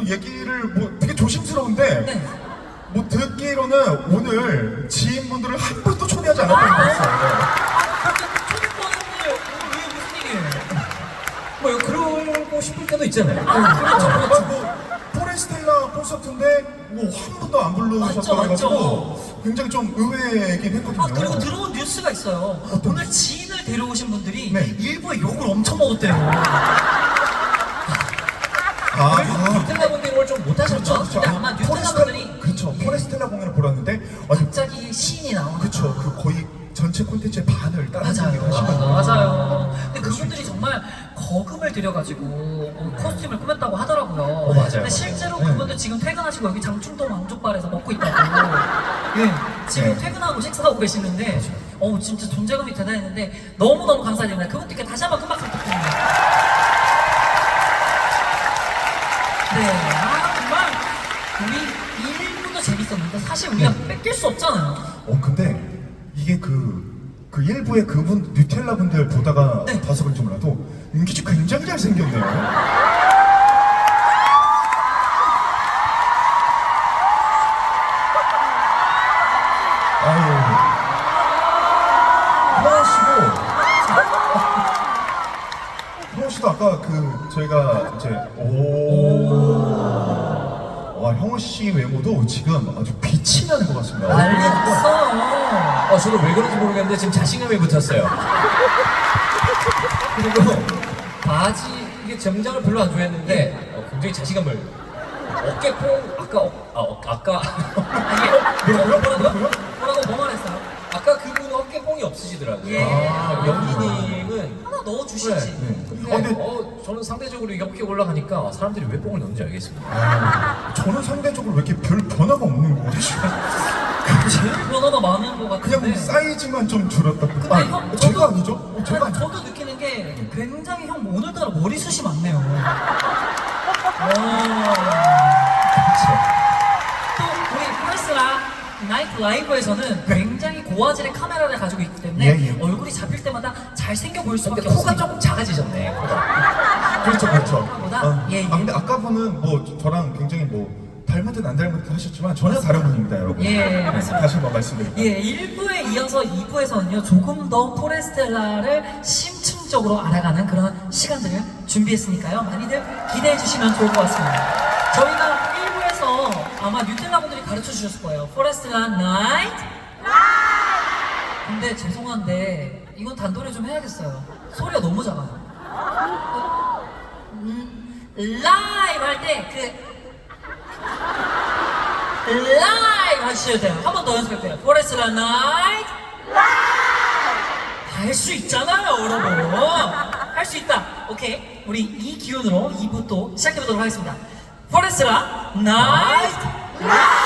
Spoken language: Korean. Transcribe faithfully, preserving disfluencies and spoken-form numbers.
또 얘기를 뭐 되게 조심스러운데 네. 뭐 듣기로는 오늘 지인분들을 한 분도 초대하지 않았다고 들었어요. 초대권을 왜 무슨 일이에요? 뭐 그러고 싶을 때도 있잖아요. 아, 그렇죠, 아, 그렇죠. 뭐 포레스텔라 콘서트인데 뭐 한 분도 안 부르셨다고 맞죠, 해가지고 굉장히 좀 의외이긴 했거든요. 아, 그리고 들어온 뉴스가 있어요. 오늘 지인을 데려오신 분들이 네. 일부에 욕을 엄청 먹었대요. 아, 뉴텔라 분들이 오늘 좀 못하셨죠? 그렇죠, 그렇죠. 근데 아마 뉴텔라 포레스텔- 분들이 그렇죠. 포레스텔라 공연을 보러 왔는데 아니 갑자기 시인이 나오는 그렇죠. 그 거의 전체 콘텐츠의 반을 다른 분들이 하시거든요. 맞아요. 맞아요. 근데 그분들이 정말 거금을 들여가지고 어, 코스튬을 꾸몄다고 하더라고요. 어, 맞아요, 근데 맞아요. 실제로 네. 그분들 지금 퇴근하시고 여기 장충동 왕족발에서 먹고 있다고. 예, 지금 네. 퇴근하고 식사하고 계시는데, 어 진짜 존재감이 대단했는데 너무 너무 감사드립니다. 그분들께 다시 한번 큰 박수 부탁드립니다. 네, 아 정말 우리 일부도 재밌었는데 사실 우리가 뺏길 수 없잖아요. 어 근데 이게 그, 그 일부의 그분 뉴텔라 분들 보다가 네. 봐서 그런지 몰라도 윤기 씨 굉장히 잘생겼네요. 아유 효원 씨도 효원 씨도 아까 그 저희가 이제 오. 와 형우 씨 외모도 지금 아주 빛이 나는 것 같습니다. 난리 났어요. 어, 저도 왜 그런지 모르겠는데 지금 자신감이 붙었어요. 그리고 바지 이게 정장을 별로 안 좋아했는데 어, 굉장히 자신감을 어깨뽕 아까 어, 아, 어, 아까 아니, 뭐라고요? 뭐라고요? 뭐라고 뭐 말했어요? 아까 그분은 어깨뽕이 없으시더라고요. 예. 아, 영희님은 하나 넣어주시지. 네. 근데 어, 근데 어, 저는 상대적으로 이렇게 올라가니까 사람들이 왜 뽕을 넣는지 알겠습니다. 아, 저는 상대적으로 왜 이렇게 별 변화가 없는 거 같아요? 제일 변화가 많은 것 같은데. 그냥 사이즈만 좀 줄었다. 근데 아, 형, 제가 저도- 아니죠? 어, 제가 아니, 아니죠? 저도 느끼는 게 굉장히 형 오늘따라 머리숱이 많네요. 와. 또 우리 프레스라 나이트 라이브에서는 굉장히 고화질의 카메라를 가지고 있기 때문에 예, 예. 얼굴이 잡힐 때마다 잘생겨 보일 수밖에 근데 코가 없습니다. 조금 작아지셨네. 코가. 그렇죠, 그렇죠. 아까보다? 아, 예, 예. 아, 근데 아까 분은 뭐 저랑 굉장히 뭐 닮은 듯 안 닮은 듯 하셨지만 전혀 다른 분입니다, 여러분. 예, 맞습니다. 다시 한번 말씀드립니다. 예, 일 부에 이어서 이 부에서는요, 조금 더 포레스텔라를 심층적으로 알아가는 그런 시간들을 준비했으니까요. 많이들 기대해 주시면 좋을 것 같습니다. 저희가 일 부에서 아마 뉴텔라 분들이 가르쳐 주셨을 거예요. 포레스텔라 나이트! 근데 죄송한데, 이건 단도리 좀 해야겠어요. 소리가 너무 작아요. 음, 라이브 할 때, 그, 라이브 하셔야 돼요. 한 번 더 연습할게요. 포레스라 나이트 할 수 있잖아요, 여러분. 할 수 있다. 오케이. 우리 이 기운으로 이 부 또 시작해보도록 하겠습니다. 포레스라 나이트